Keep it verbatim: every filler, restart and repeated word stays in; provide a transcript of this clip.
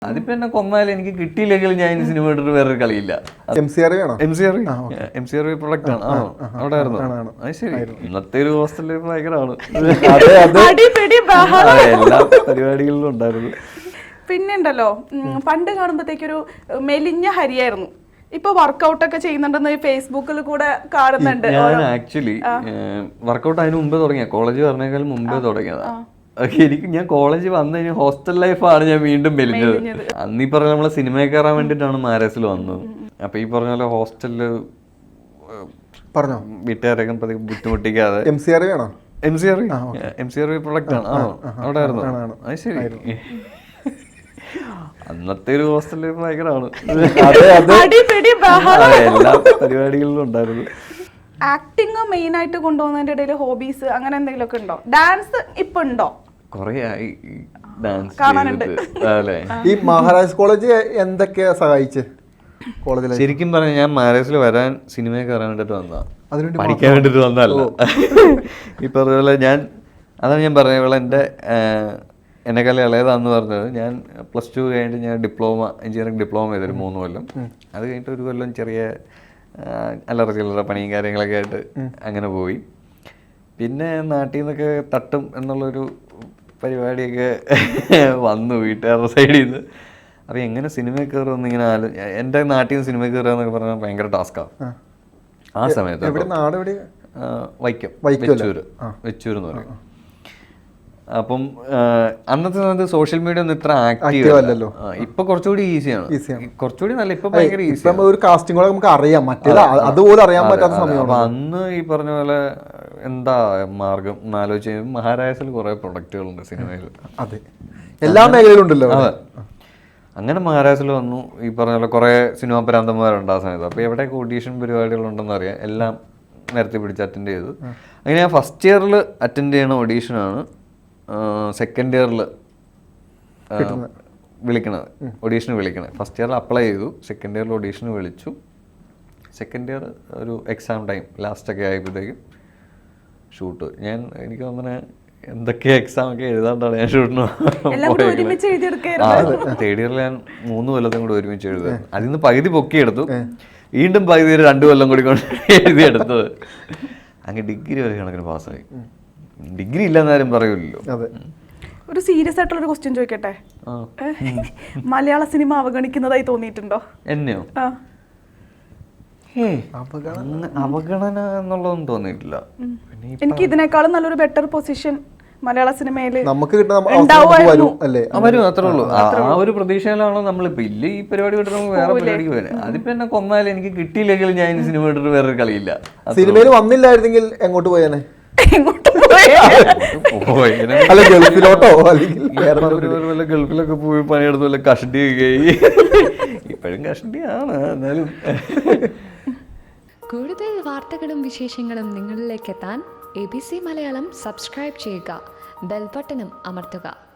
അതിപ്പോ എന്നെ കൊന്നാലും എനിക്ക് കിട്ടിയില്ലെങ്കിൽ ഞാൻ ഈ സിനിമ ഇട്ടിട്ട് വേറൊരു കളിയില്ല. M C R M C R product ആണ്. ആണോ? അവിടെ ആയിരുന്നു. അത് ശരി. ഇന്നത്തെ ഒരു ഹോസ്റ്റൽ ലൈഫ് ഭയങ്കരമാണ്. എല്ലാ പരിപാടികളിലും ഉണ്ടായിരുന്നു. പിന്നെ ഉണ്ടല്ലോ, പണ്ട് കാണുമ്പോഴത്തേക്കൊരു മെലിഞ്ഞ ഹരിയായിരുന്നു. ഇപ്പൊ വർക്കൗട്ട് ഒക്കെ ചെയ്യുന്നുണ്ടെന്ന് ഫേസ്ബുക്കിൽ കൂടെ കാണുന്നുണ്ട്. ഞാൻ ആക്ച്വലി വർക്കൗട്ട് അതിന് മുമ്പേ തുടങ്ങിയ, കോളേജ് പറഞ്ഞേക്കാളും മുമ്പേ തുടങ്ങിയതാ. എനിക്ക് ഞാൻ കോളേജ് വന്നു കഴിഞ്ഞാൽ ഹോസ്റ്റൽ ലൈഫാണ് ഞാൻ വീണ്ടും മെലിഞ്ഞത്. അന്ന് ഈ പറഞ്ഞ നമ്മളെ സിനിമയിൽ കയറാൻ വേണ്ടിയിട്ടാണ് മാരേസിൽ വന്നത്. അപ്പൊ ഈ പറഞ്ഞ പോലെ ഹോസ്റ്റലില് പറഞ്ഞോ വീട്ടുകാരൊക്കെ ബുദ്ധിമുട്ടിക്കാതെ M C R M C R M C R product ആണ്. ആണോ? അവിടെ ആയിരുന്നു. അത് ശരി. അന്നത്തെ ഒരു ഹോസ്റ്റൽ ലൈഫ് ഭയങ്കരമാണ്. എല്ലാ പരിപാടികളിലും ഉണ്ടായിരുന്നു. ആക്ടിങ് മെയിൻ ആയിട്ട് കൊണ്ടുപോകുന്നതിന്റെ ഇടയിൽ ഹോബീസ് അങ്ങനെ എന്തെങ്കിലും ഒക്കെ ഉണ്ടോ? ഡാൻസ് ഇപ്പൊ ഉണ്ടോ? കൊറേ ആയി ഡാൻസ് കാണാനുണ്ട്. ഈ മഹാരാജ് കോളേജ് എന്തൊക്കെയാ സഹായിച്ച് കോളേജിൽ? ശരിക്കും പറഞ്ഞാൽ ഞാൻ മാരേജിൽ വരാൻ സിനിമയിൽ കയറാൻ വേണ്ടിട്ട് വന്നതാ, പഠിക്കാൻ വേണ്ടിട്ട് വന്നതല്ല. ഈ പറഞ്ഞ പോലെ ഞാൻ അതാണ് ഞാൻ പറഞ്ഞ പോലെ എൻ്റെ എന്നെക്കാളും ഇളയതാന്ന് പറഞ്ഞത്. ഞാൻ പ്ലസ് ടു കഴിഞ്ഞിട്ട് ഞാൻ ഡിപ്ലോമ എഞ്ചിനീയറിംഗ് ഡിപ്ലോമ ചെയ്തൊരു മൂന്ന് കൊല്ലം. അത് കഴിഞ്ഞിട്ട് ഒരു കൊല്ലം ചെറിയ അല്ലറ ചില്ലറ പണിയും കാര്യങ്ങളൊക്കെ ആയിട്ട് അങ്ങനെ പോയി. പിന്നെ നാട്ടിൽ നിന്നൊക്കെ തട്ടും എന്നുള്ളൊരു പരിപാടിയൊക്കെ വന്നു വീട്ടുകാരുടെ സൈഡിൽ നിന്ന്. അപ്പോൾ എങ്ങനെ സിനിമയിൽ കയറുമെന്ന് ഇങ്ങനെ ആലോ എൻ്റെ നാട്ടിൽ നിന്ന് സിനിമയിൽ കയറുക എന്നൊക്കെ പറഞ്ഞാൽ ഭയങ്കര ടാസ്ക്കാണ് ആ സമയത്ത്. വൈക്കം, വെച്ചൂര് വെച്ചൂർ എന്ന് പറയും. അപ്പം അന്നത്തെ സമയത്ത് സോഷ്യൽ മീഡിയ ഒന്നും ഇത്ര ആക്റ്റീവ് അല്ലല്ലോ. ഇപ്പൊ കുറച്ചുകൂടി ഈസിയാണ്, കുറച്ചുകൂടി നല്ല. ഇപ്പൊ ഭയങ്കര ഈസി. ഒരു കാസ്റ്റിംഗ് നമുക്ക് അറിയാം, അതുപോലെ അറിയാൻ പറ്റാത്ത സമയം. അപ്പൊ അന്ന് ഈ പറഞ്ഞ പോലെ എന്താ മാർഗം എന്നാലോചിച്ച് മഹാരാജസിൽ കുറെ പ്രൊഡക്റ്റുകളുണ്ട് സിനിമയിൽ. അതെ, എല്ലാ മേഖലയിലും ഉണ്ടല്ലോ. അതെ, അങ്ങനെ മഹാരാജസിൽ വന്നു. ഈ പറഞ്ഞ പോലെ കുറെ സിനിമാ പരാന്തന്മാരുണ്ട് ആ സമയത്ത്. അപ്പൊ എവിടെയൊക്കെ ഓഡീഷൻ പരിപാടികളുണ്ടെന്ന് അറിയാം. എല്ലാം നേരത്തെ പിടിച്ച് അറ്റൻഡ് ചെയ്തു. അങ്ങനെ ഞാൻ ഫസ്റ്റ് ഇയറിൽ അറ്റൻഡ് ചെയ്യണ ഓഡീഷനാണ് സെക്കൻഡ് ഇയറിൽ വിളിക്കണത്, ഓഡീഷന് വിളിക്കണത്. ഫസ്റ്റ് ഇയറിൽ അപ്ലൈ ചെയ്തു, സെക്കൻഡ് ഇയറിൽ ഓഡീഷന് വിളിച്ചു. സെക്കൻഡ് ഇയർ ഒരു എക്സാം ടൈം ലാസ്റ്റൊക്കെ ആയപ്പോഴത്തേക്കും ഷൂട്ട്. ഞാൻ എനിക്ക് തോന്നുന്നത് എന്തൊക്കെ എക്സാം ഒക്കെ എഴുതാണ്ടാണ് ഞാൻ ഷൂട്ടിന് പോയത്. തേർഡ് ഇയറിൽ ഞാൻ മൂന്ന് കൊല്ലത്തും കൂടി ഒരുമിച്ച് എഴുതുക. അതിൽ നിന്ന് പകുതി പൊക്കിയെടുത്തു, വീണ്ടും പകുതി ഒരു രണ്ട് കൊല്ലം കൂടി കൊണ്ട് എഴുതിയെടുത്തത്. അങ്ങനെ ഡിഗ്രി വരെ കണക്കിന് പാസ്സായി. ഡിഗ്രി ഇല്ലെന്നാരും പറയൂല്ലോ. ഒരു സീരിയസ് ആയിട്ടുള്ള ഒരു ക്വസ്റ്റ്യൻ ചോദിക്കട്ടെ. മലയാള സിനിമ അവഗണിക്കുന്നതായി തോന്നിയിട്ടുണ്ടോ? എന്നെയോ? അവഗണന എന്നുള്ളതൊന്നും തോന്നിയിട്ടില്ല. എനിക്ക് ഇതിനേക്കാളും നല്ലൊരു ബെറ്റർ പൊസിഷൻ മലയാള സിനിമയിൽ വരും, അത്രേ ഉള്ളൂ. ആ ഒരു പ്രതീക്ഷയിലാണോ നമ്മളിപ്പോ. ഇല്ല, ഈ പരിപാടി വിട്ടിട്ട് നമുക്ക് വേറെ പരിപാടിക്ക് പോയാൽ അതിപ്പോ എന്നെ കൊന്നാലും എനിക്ക് കിട്ടിയില്ലെങ്കിൽ ഞാൻ ഈ സിനിമ ഇട്ടിട്ട് വേറൊരു കളിയില്ല. സിനിമയിൽ വന്നില്ലായിരുന്നെങ്കിൽ എങ്ങോട്ട് പോയാനെ? ഗൾഫിലൊക്കെ പോയി പണിയെടുത്ത് വല്ല കഷണ്ടി കഴി. ഇപ്പോഴും കഷണ്ടിയാണ്. എന്നാലും കൂടുതൽ വാർത്തകളും വിശേഷങ്ങളും നിങ്ങളിലേക്ക് എത്താൻ A B C Malayalam subscribe ചെയ്യുക, ബെൽ ബട്ടണും അമർത്തുക.